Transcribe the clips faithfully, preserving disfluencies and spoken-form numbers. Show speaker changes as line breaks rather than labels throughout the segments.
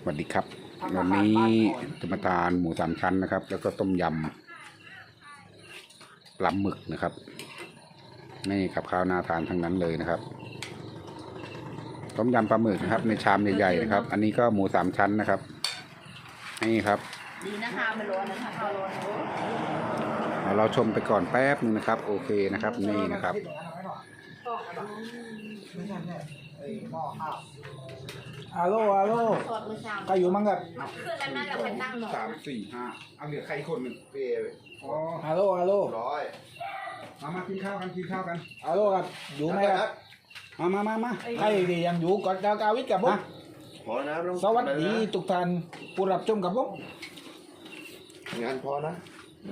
สวัสดีครับวันนี้จะมาทานหมูสามชั้นนะครับแล้วก็ต้มยำปลาหมึกนะครับนี่กับข้าวน่าทานทั้งนั้นเลยนะครับต้มยำปลาหมึกนะครับในชามใหญ่ๆนะครับอันนี้ก็หมูสามชั้นนะครับนี่ครับ
ดีนะคะไม่ร้อนนะคะข้าวร้อน
เราชมไปก่อนแป๊บนึงนะครับโอเคนะครับนี่นะครับ
ฮัลโหลฮัลโหลใครอยู่มั่งกับ
คือแล้วนั่นเราไปตั้งหมด
สามสี่ห้าเอาเหลือใครคนหนึ่งเปย์อ๋อ
ฮัลโหลฮัลโหล
ร้อยมามากินข้าวกันกินข้าวกัน
ฮัลโหลครับอยู่ไหมครับ
มามามามา
ใครดียังอยู่ก่อนกากาวิทย์กับผม
พอนะ
สวัสดีทุกท่านผู้รับชมกับผม
งานพอนะ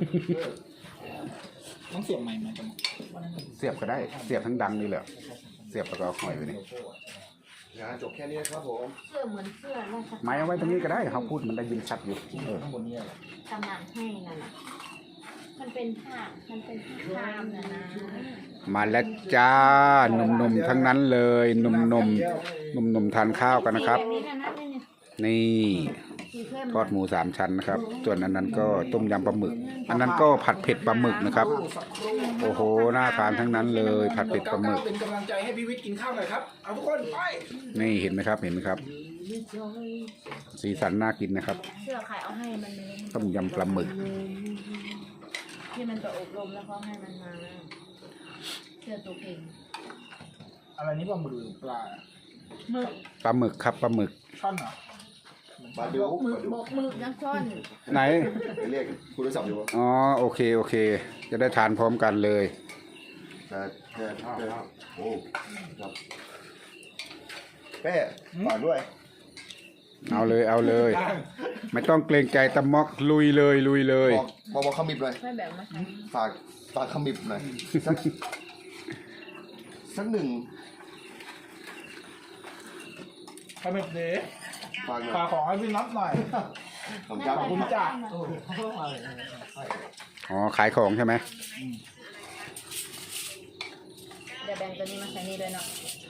ต้องเสียบใหม่ไหมจัง
เสียบก็ได้เสียบทั้งดังนี่แหละเสียบแล้วก็หอยไปนี่
งานจบแค่นี้ครับผม
เสื้อเหมือนเสื้อราชการ
ไม้เอาไว้ตรงนี้ก็ได้เขาพูดมันได้ยินชัดอยู่เออ
ข้างบนนี้
ตำนานให้นั่นน่ะมันเป็นผ้ามันเป็นผ้าครามนะนะ
มาแล้วจ้าหนุ่มๆทั้งนั้นเลยหนุ่มๆหนุ่มๆทานข้าวกันนะครับนี่ทอดหมูสามชั้นนะครับส่วนอันนั้นก็ต้มยำปลาหมึกอันนั้นก็ผัดเผ็ดปลาหมึกนะครับโอ้โหน่าทานทั้งนั้นเลยผัดเผ็ดปลาหมึก
เป็นกำลังใจให้พี่วิทย์กินข้าวหน่อยครับเอาทุกคนไป
นี่เห็นไหมครับเห็นไหมครับสีสันน่ากินนะครับ
เสื้อใครเอาให้มัน
ต้มยำปลาหมึก
ที่มันจะอบรมแล้วเขาให้มันมาเสื้อตัวเก่ง
อะไรนี่ปลาหมึกปลา
หมึก
ปลาหมึกครับปลาหมึก
ช่อนเหรอ
ปลาดุก
หมึกบกหมึกนักช่อน
ไหน
เรียกคุณรู้สับอยู่ปะ
อ๋อโอเคโอเคจะได้ทานพร้อมกันเลย
แต่แต่แต่โอ้ครับแป้ฝากด้วย
เอาเลยเอาเลยไม่ต้องเกรงใจตะม็อกลุยเลยลุยเลย
บอกบอกบอกขมิบเลย
ไม่แบบมา
ฝากฝากขมิบหน่อยสักสักหนึ่ง
ขมิบเด้
ฝากหน่อย
ฝากของให้พี่นับหน่อย
ขอบคุณขอบ
คุณจ้า
อ๋อขายของใช่ไหม
เดี๋ยวแบ่งตัวนี้มาใส่นี่ด้วยเนาะ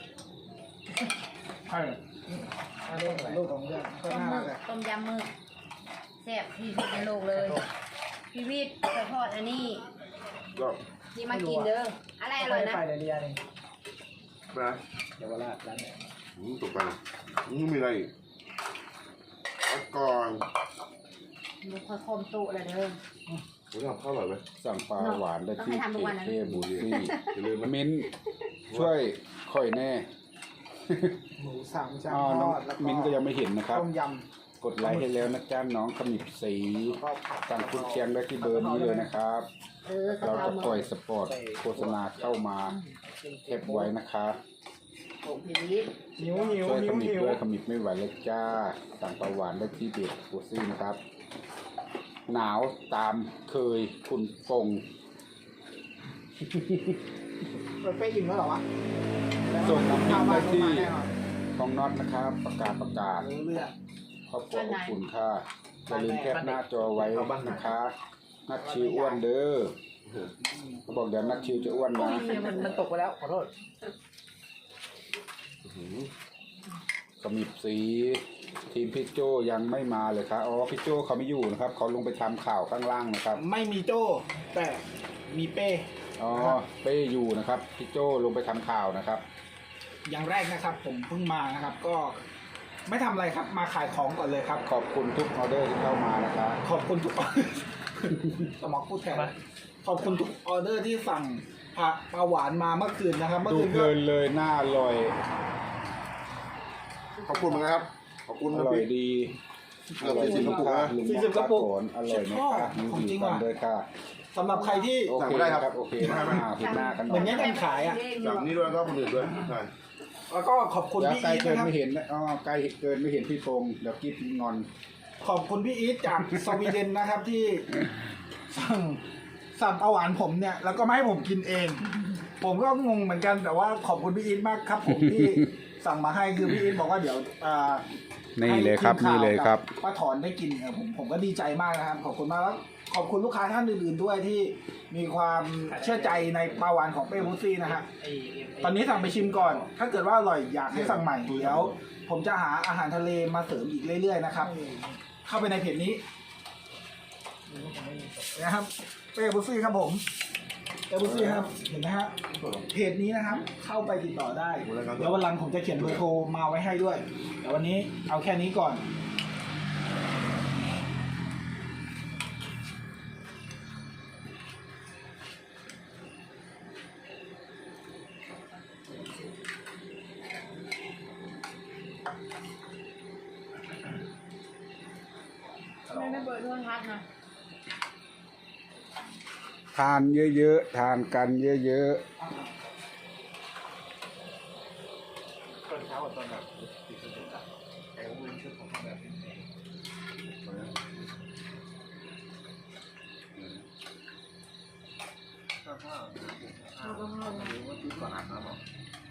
ใช่ลูกของเรื่อง
ต้มหมึกต้มยำหมึกแซ่บที่สุดในโลกเลยพี่วิทย์ไปทอดอันนี้นี่มากินเด้ออะไรอร่อยนะ
ไปเรียนเอง
นะ
เดี๋ยวเวลาร้านไหน
ตกไปนี่มีอะไรก่อน
ดูค่อยคมตุเลยเด้อ
ผมทำข้าวอร่อยไหม
สั่งปลาหวานได้ที่เคเคบูซี่มิ้นช่วยค่อยแน่
หมูสามชั้น
ทอดแล้วมิ้นก็ยังไม่เห็นนะครับ
ต้มย
ำกดไลค์ให้แล้วนะจ้าน้องขมิบสีสั่งคุณเชียงได้ที่เบอร์นี้เลยนะครับเราจะปล่อยสปอร์ตโฆษณาเข้ามาเก็บไว้นะคะ
นิ้วนิ้ว
ช่วยขมิบ
นิ้ว
ด้วยขมิบไม่ไหวเลยจ้าสั่งปลาหวานได้ที่เบอร์โฆษณานะครับหนาวตามเคยคุณปง
เราไปอิ่มแล้วหรอวะ
ส่งน้ำพริกได้ที่ของน็อตนะครับประกาศประกาศครอบครัวอบอุ่นค่ะอย่าลืมแคปหน้าจอไว้นะคะนัดชิวอ้วนเด้อเขาบอกเดี๋ยวนัดชิวจะอ้วนนะ
มันมันตกไปแล้วขอโทษ
ขมิบสีทีมพี่โจยังไม่มาเลยครับอ๋อพี่โจเขาไม่อยู่นะครับเขาลงไปทำข่าวข้างล่างนะครับ
ไม่มีโจแต่มีเป้
อ๋อเป้อยู่นะครับพี่โจลงไปทำข่าวนะครับ
อย่างแรกนะครับผมเพิ่งมานะครับก็ไม่ทำอะไรครับมาขายของก่อนเลยครับ
ขอบคุณทุกออเดอร์ที่เข้ามานะครับ
ขอบคุณทุกออเดอร์สมองพูดแทนขอบคุณทุกออเดอร์ที่สั่งผักปลาหวานมาเมื่อคืนนะครับเมื่อ
คืนเพลินเลยน่าอร่อย
ขอบคุณนะครับขอบคุณ
อร่อยดี
อร่อยสิบกระปุกนะ
สี่สิบกระปุก
อร่อยไหมคะ
ของจริงว่ะ
ด้วยค่ะ
สำหรับใครที่
สั่งไม่ได้ครับโอเคมาผิดหน้ากัน
เหมือนนี้กันขายอ่ะ
สั่งนี้ด้วยก็คนอื่นด้วยใช่
แล้วก็ขอบคุณพี่อีท
นะครับไม่เห็นอ๋อไกลเกินไม่เห็นพี่พงษ์เดี๋ยวกิ๊บงอน
ขอบคุณพี่อีทจากสวีเดนนะครับที่สั่งสั่งปลาหวานผมเนี่ยแล้วก็ไม่ให้ผมกินเองผมก็งงเหมือนกันแต่ว่าขอบคุณพี่อีทมากครับผมที่สั่งมาให้คือพี่อีทบอกว่าเดี๋ยว
นี่เลยครับนี่เลยครับ
ป้าถอนได้กินผมผมก็ดีใจมากนะครับขอบคุณมากแล้วขอบคุณลูกค้าท่านอื่นๆด้วยที่มีความเชื่อใจในปลาหวานของเป้บุซี่นะฮะตอนนี้สั่งไปชิมก่อน ถ้าเกิดว่าอร่อยอยากให้สั่งใหม่เดี๋ยวผมจะหาอาหารทะเลมาเสริมอีกเรื่อยๆนะครับ เข้าไปในเพจนี้นะครับเป้บุซี่ครับผมเป้บุซี่ครับเห็นไหมฮะเพจนี้นะครับ เข้าไปติดต่อได้เดี๋ยววันหลังผมจะเขียนเบอร์โทรมาไว้ให้ด้วยแต่วันนี้เอาแค่นี้ก่อน
ไม่ได้เปิดโทรทัศน์นะ
ทานเยอะๆทานกันเยอะ
ตอนเช้ากับตอนแบบติดสติอะแต่ว่ามันชุดของเขาแบบเป็นเองข้าวข้าวข้าวข้าวรู้ว่าชุดก่อนอาบน้ำหรอ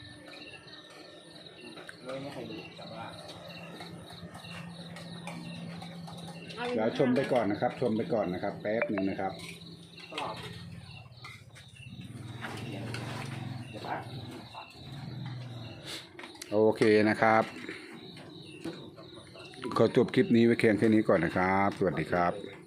เลยไม่เคยดูแต่ว่า
ๆเดี๋ยวชมไปก่อนนะครับ ชมไปก่อนนะครับ แป๊บหนึ่งนะครับ
ก็เดี๋ยวปั๊บ
โอเคนะครับ ขอจบคลิปนี้ไว้เพียงแค่นี้ก่อนนะครับ สวัสดีครับ